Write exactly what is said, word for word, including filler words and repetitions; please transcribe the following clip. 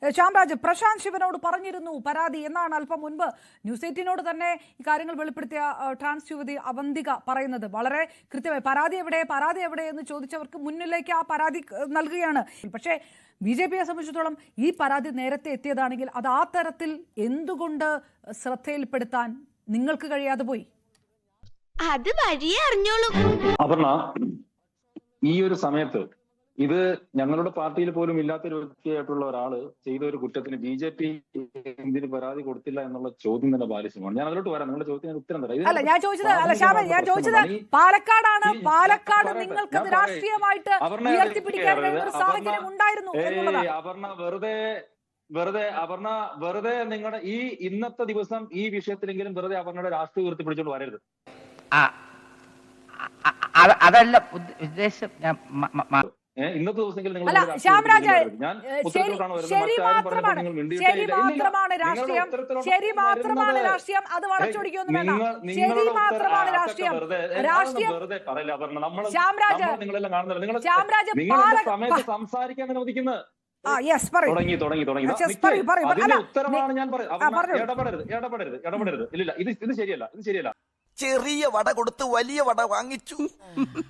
ശ്യാംരാജ്, പ്രശാന്ത് ശിവനോട് പറഞ്ഞിരുന്നു പരാതി എന്നാണ് അല്പം മുൻപ് ന്യൂസ് എയ്റ്റീനോട് തന്നെ ഈ കാര്യങ്ങൾ വെളിപ്പെടുത്തിയ ട്രാൻസ് യുവതി അവന്തിക പറയുന്നത്. വളരെ കൃത്യമായി പരാതി എവിടെ പരാതി എവിടെ എന്ന് ചോദിച്ചവർക്ക് മുന്നിലേക്ക് ആ പരാതി നൽകുകയാണ്. പക്ഷേ ബി ജെ പിയെ സംബന്ധിച്ചിടത്തോളം ഈ പരാതി നേരത്തെ എത്തിയതാണെങ്കിൽ അത് ആ തരത്തിൽ എന്തുകൊണ്ട് ശ്രദ്ധയിൽപ്പെടുത്താൻ നിങ്ങൾക്ക് കഴിയാതെ പോയി? അത് വഴിയേ അറിഞ്ഞോളൂ. അപർണ, ഈ ഒരു സമയത്ത് ഇത് ഞങ്ങളുടെ പാർട്ടിയിൽ പോലും ഇല്ലാത്തൊരു വ്യക്തിയായിട്ടുള്ള ഒരാള് ചെയ്ത ഒരു കുറ്റത്തിന് ബി ജെ പി എന്തിന് പരാതി കൊടുത്തില്ല എന്നുള്ള ചോദ്യം തന്നെ ബാലിശമാണ്. ഞാൻ അതിലോട്ട് വരാം. നിങ്ങളുടെ ചോദ്യത്തിന് ഉത്തരം തരാം. അല്ല, ഞാൻ ചോദിച്ചത് അല്ല ശ്യാമൻ, ഞാൻ ചോദിച്ചത് പാലക്കാടാണ്. പാലക്കാട് നിങ്ങൾക്ക് രാഷ്ട്രീയമായിട്ട് ഉയർത്തിപ്പിടിക്കാൻ കഴിയുന്ന ഒരു സാഹചര്യം ഉണ്ടായിരുന്നു എന്നുള്ളതാണ്. അപർണ വെറുതെ വെറുതെ അപർണ വെറുതെ നിങ്ങളുടെ ഈ ഇന്നത്തെ ദിവസം ഈ വിഷയത്തിലെങ്കിലും വെറുതെ അപർണയുടെ രാഷ്ട്രീയ ഉയർത്തിപ്പിടിച്ചോണ്ട് വരരുത്. അതല്ല ഉദ്ദേശം. ഇന്നത്തെ ദിവസമെങ്കിലും അല്ല ശ്യാംരാജ്, ശരി മാത്രമാണ് ശരി മാത്രമാണ് രാഷ്ട്രീയം ശരി മാത്രമാണ് രാഷ്ട്രീയം അത് വളച്ചൊടിക്കൊന്നും വേണ്ട. ശരി മാത്രമാണ് രാഷ്ട്രീയം രാഷ്ട്രീയം ശ്യാംരാജ് ശ്യാംരാജ് സംസാരിക്കാൻ അനുവദിക്കുന്നത് ആ യെസ് പറയൂ തുടങ്ങി തുടങ്ങി തുടങ്ങി ഉത്തരമാണ് ഞാൻ പറയുന്നത്. ഇടപെടരുത് ഇടപെടരുത് ഇടപെടരുത് ഇല്ല ഇത് ഇത് ശരിയല്ല ഇത് ശരിയല്ല. ചെറിയ വട കൊടുത്ത് വലിയ വട വാങ്ങിച്ചു.